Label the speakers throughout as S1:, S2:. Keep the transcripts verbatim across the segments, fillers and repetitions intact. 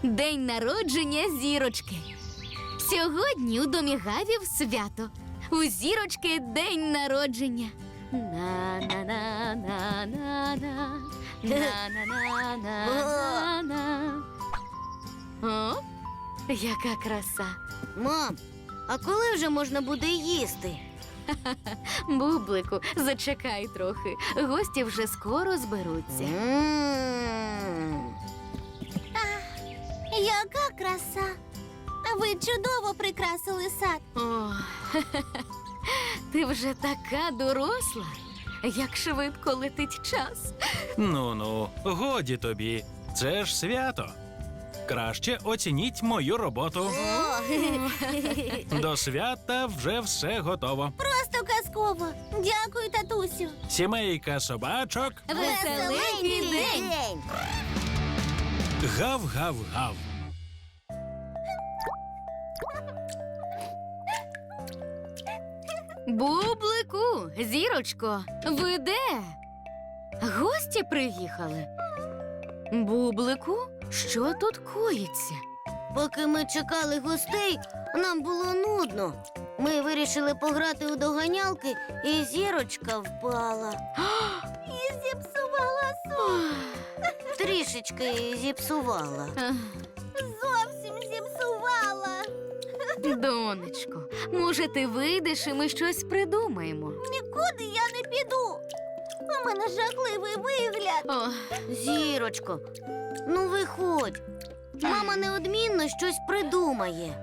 S1: День народження Зірочки. Сьогодні у домі Гавів свято. У Зірочки день народження. На-на-на-на-на-на. На-на-на-на-на-на. О, яка краса.
S2: Мам, а коли вже можна буде їсти?
S1: Бублику, зачекай трохи. Гості вже скоро зберуться.
S2: М.
S3: Яка краса! Ви чудово прикрасили сад.
S1: О, ти вже така доросла. Як швидко летить час.
S4: Ну-ну, годі тобі. Це ж свято. Краще оцініть мою роботу. До свята вже все готово.
S3: Просто казково. Дякую, татусю.
S4: Сімейка собачок.
S1: Веселенький день.
S4: Гав-гав-гав.
S1: Бублику, Зірочко, ви де? Гості приїхали. Бублику, що тут коїться?
S2: Поки ми чекали гостей, нам було нудно. Ми вирішили пограти у доганялки, і Зірочка впала.
S3: І зіпсувала сон.
S2: Трішечки зіпсувала.
S1: Ех,
S3: Зовсім зіпсувала.
S1: Донечко, може, ти вийдеш і ми щось придумаємо?
S3: Нікуди я не піду. У мене жахливий вигляд.
S1: О,
S2: Зірочко, ну виходь. Мама неодмінно щось придумає.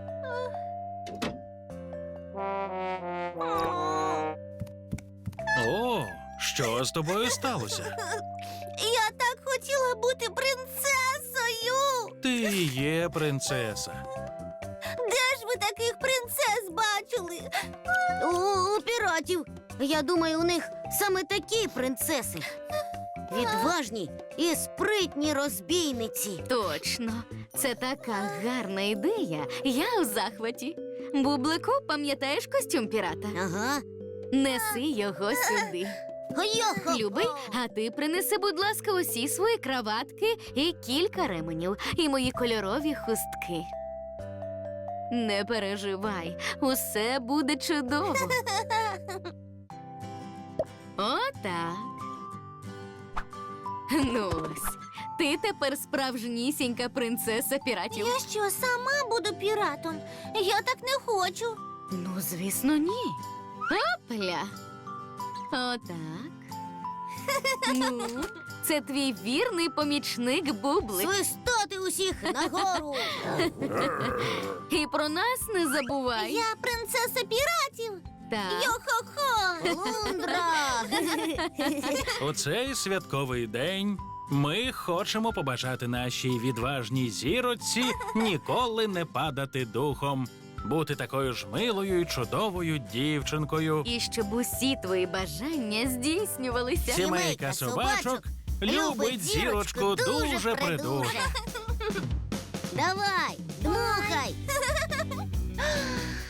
S4: О, що з тобою сталося?
S3: Я так хотіла бути принцесою.
S4: Ти і є принцеса.
S3: Де ж ви таких принцес бачили?
S2: У, у піратів. Я думаю, у них саме такі принцеси. Відважні і спритні розбійниці.
S1: точно. Це така гарна ідея. Я у захваті. Бублику, пам'ятаєш костюм пірата?
S2: Ага.
S1: Неси його сюди.
S2: Хо-йо-хо.
S1: Любий, а ти принеси, будь ласка, усі свої краватки і кілька ременів, і мої кольорові хустки. Не переживай, усе буде чудово. Отак. Ну ось, ти тепер справжнісінька принцеса піратів.
S3: Я що, сама буду піратом? Я так не хочу.
S1: Ну, звісно, ні. Опля. Отак. Ну, це твій вірний помічник Бублик.
S2: Свистати усіх нагору.
S1: І про нас не забувай.
S3: Я принцеса піратів.
S1: Так.
S3: Йо-хо-хо.
S2: Лундра.
S4: У цей святковий день ми хочемо побажати нашій відважній зіроці ніколи не падати духом, бути такою ж милою і чудовою дівчинкою.
S1: І щоб усі твої бажання здійснювалися.
S4: Сімейка собачок любить зірочку дуже придуже.
S2: Давай, дмухай.